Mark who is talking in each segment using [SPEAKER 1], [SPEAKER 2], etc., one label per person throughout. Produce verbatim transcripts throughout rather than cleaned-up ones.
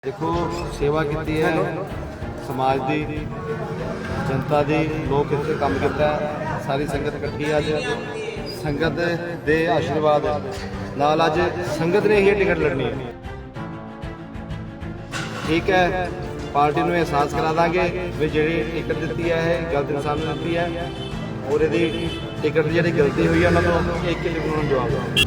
[SPEAKER 1] देखो सेवा की है समाज की जनता की लोग इतने काम किया सारी संगत इकट्ठी अज संगत के आशीर्वाद नाल अज संगत ने ही टिकट लड़नी है। ठीक है, पार्टी में एहसास करा देंगे भी जी टिकट दी है गलत इंसान ने दी है और यदि टिकट की जी गलती हुई है उन्होंने एक एक उन्होंने जवाब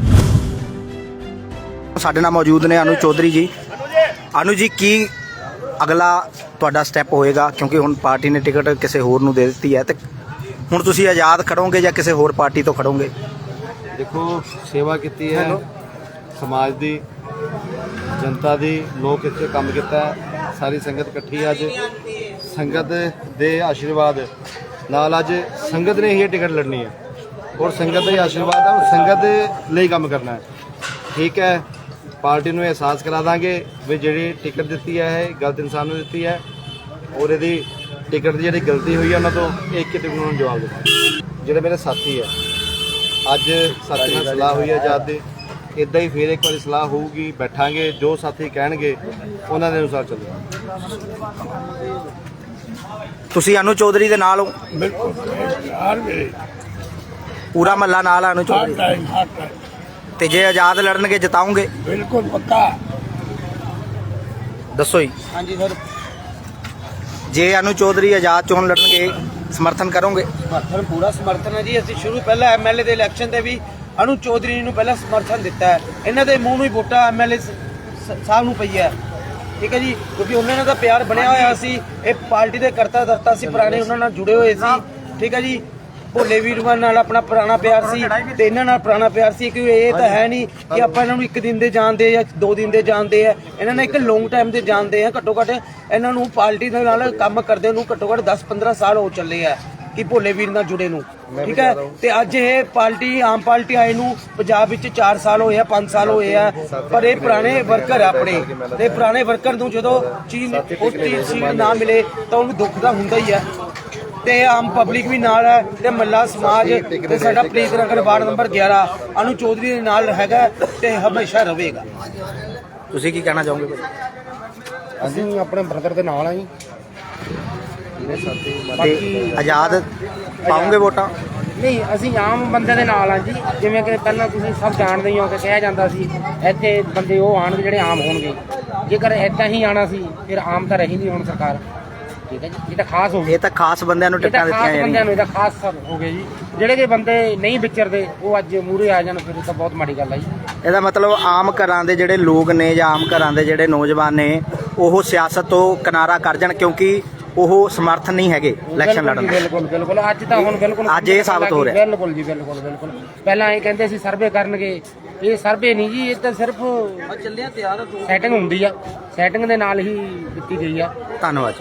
[SPEAKER 2] साडे नाल मौजूद ने अनु चौधरी जी। अनु जी की अगला तुहाडा स्टैप होएगा क्योंकि हुण पार्टी ने टिकट किसी होर नूं दे दित्ती है तो हुण तुसीं आज़ाद खड़ोगे या किसी होर पार्टी तो खड़ोगे?
[SPEAKER 1] देखो सेवा की है समाज की जनता की लोग इतने काम किया सारी संगत इकट्ठी अज संगत के आशीर्वाद नाल अज संगत ने ही टिकट लड़नी है और संगत का आशीर्वाद है संगत लिए काम करना है। ठीक है, पार्टी में एहसास करा देंगे भी जी टिकट दी है गलत इंसान ने दी है और यदि टिकट की जी गलती हुई है उन्होंने एक एक उन्होंने जवाब देना। जोड़े मेरे साथी है अज साथी में सलाह हुई है आजाद की इदा ही फिर एक बार सलाह होगी बैठांगे जो साथी कहणगे उन्होंने अनुसार चलेगा।
[SPEAKER 2] तुसीं अनु चौधरी दे नाल हो? पूरा महला नाल अनु चौधरी ते जे आजाद लड़नगे जिताओगे?
[SPEAKER 3] बिल्कुल पक्का।
[SPEAKER 2] दसो जी।
[SPEAKER 3] हाँ जी सर,
[SPEAKER 2] जे अनु चौधरी आजाद चोन लड़नगे समर्थन करोगे?
[SPEAKER 3] समर्थन पूरा समर्थन है जी। असं शुरू पहले एम एल ए के इलैक्शन से भी अनु चौधरी नूं पहला समर्थन दिता है। इन्हों के मूँह ही वोटा एम एल ए साहब नूं पई है। ठीक है जी, क्योंकि उन्होंने तो प्यार बनया होया सी, एक पार्टी के करता धरता सी, पुराने उन्होंने जुड़े हुए सी। ठीक है जी, भोले वीरवान नाल अपना पुराना प्यार सी ते इन्हां नाल पुराना प्यार सी। क्योंकि ये तो है नहीं कि आप इन्हां नूं एक दिन दे जानते या दो दिन दे जानते हैं, इन्हां ने एक लॉन्ग टाइम दे जानते हैं। घट्टो घट्ट इन्हां नूं पार्टी दे नाल काम करदे नूं घट्टो घट्ट दस पंद्रह साल हो चले है कि भोले वीर नाल जुड़े नूं। ठीक है, ते अज ये पार्टी आम पार्टी आए नूं पंजाब विच चार साल होए आ, पांच साल होए आ, पर ये पुराने वर्कर आ अपने ते पुराने वर्कर नूं जदों चीज उस चीज सीट ना मिले तो उन्हें दुख दा हुंदा ही है। ते आम पब्लिक भी नाल है ते मल्ला समाज ते साडा प्रीत नगर वार्ड नंबर ग्यारह अनु चौधरी दे नाल हैगा ते हमेशा रहेगा।
[SPEAKER 2] तुसीं की कहना चाहोगे भाई?
[SPEAKER 3] ਅਸੀਂ ਆਪਣੇ ਬ੍ਰਦਰ ਦੇ ਨਾਲ ਆ ਜੀ।
[SPEAKER 2] ते आजाद पाओगे वोटां?
[SPEAKER 4] ਨਹੀਂ ਅਸੀਂ ਆਮ ਬੰਦੇ ਦੇ ਨਾਲ ਆ ਜੀ। ਜਿਵੇਂ ਕਿ ਪਹਿਲਾਂ ਤੁਸੀਂ ਸਭ ਜਾਣਦੇ ਹੀ ਹੋ ਕਿ ਕਿਹਾ ਜਾਂਦਾ ਸੀ ਇੱਥੇ ਬੰਦੇ ਉਹ ਆਣਗੇ ਜਿਹੜੇ ਆਮ ਹੋਣਗੇ। ਜੇਕਰ ਇੱਦਾਂ ਹੀ ਆਣਾ ਸੀ ਫਿਰ ਆਮ ਤਾਂ ਰਹੀ ਨਹੀਂ ਹੁਣ ਸਰਕਾਰ। ਠੀਕ ਹੈ ਜੀ, ਇਹ ਤਾਂ ਖਾਸ ਹੋ ਗਿਆ।
[SPEAKER 2] ਇਹ ਤਾਂ ਖਾਸ ਬੰਦਿਆਂ ਨੂੰ
[SPEAKER 4] ਇਹ ਤਾਂ
[SPEAKER 2] ਟਿਕਟਾਂ
[SPEAKER 4] ਖਾਸ
[SPEAKER 2] ਦਿੱਤੀਆਂ
[SPEAKER 4] ਬੰਦਿਆਂ
[SPEAKER 2] ਜਾਣੀਆਂ।
[SPEAKER 4] ਨੂੰ ਇਹਦਾ ਖਾਸ ਸਰ ਹੋ ਗਏ ਜੀ। ਜਿਹੜੇ ਕਿ ਬੰਦੇ ਨਹੀਂ ਵਿਚਰਦੇ ਉਹ ਅੱਜ ਮੂਹਰੇ ਆ ਜਾਣ ਫਿਰ ਤਾਂ ਬਹੁਤ ਮਾੜੀ ਗੱਲ ਆ ਜੀ।
[SPEAKER 2] ਇਹਦਾ ਮਤਲਬ ਆਮ ਘਰਾਂ ਦੇ ਜਿਹੜੇ ਲੋਕ ਨੇ ਜਾਂ ਆਮ ਘਰਾਂ ਦੇ ਜਿਹੜੇ ਨੌਜਵਾਨ ਨੇ ਉਹ ਸਿਆਸਤ ਤੋਂ ਕਿਨਾਰਾ ਕਰ ਜਾਣ ਕਿਉਂਕਿ ਉਹ ਸਮਰਥਨ ਨਹੀਂ ਹੈਗੇ ਇਲੈਕਸ਼ਨ ਲੜਨ ਦੇ।
[SPEAKER 4] ਬਿਲਕੁਲ ਬਿਲਕੁਲ ਅੱਜ ਤਾਂ ਹੁਣ ਬਿਲਕੁਲ
[SPEAKER 2] ਅੱਜ ਇਹ ਸਾਬਤ ਹੋ ਰਿਹਾ।
[SPEAKER 4] ਬਿਲਕੁਲ ਜੀ ਬਿਲਕੁਲ ਬਿਲਕੁਲ। ਪਹਿਲਾਂ ਇਹ ਕਹਿੰਦੇ ਸੀ ਸਰਵੇ ਕਰਨਗੇ, ਇਹ ਸਰਵੇ ਨਹੀਂ ਜੀ, ਇਹ ਤਾਂ ਸਿਰਫ ਚੱਲਿਆ ਤਿਆਰ ਸੈਟਿੰਗ ਹੁੰਦੀ ਆ, ਸੈਟਿੰਗ ਦੇ ਨਾਲ ਹੀ ਦਿੱਤੀ ਗਈ ਆ।
[SPEAKER 2] ਧੰਨਵਾਦ।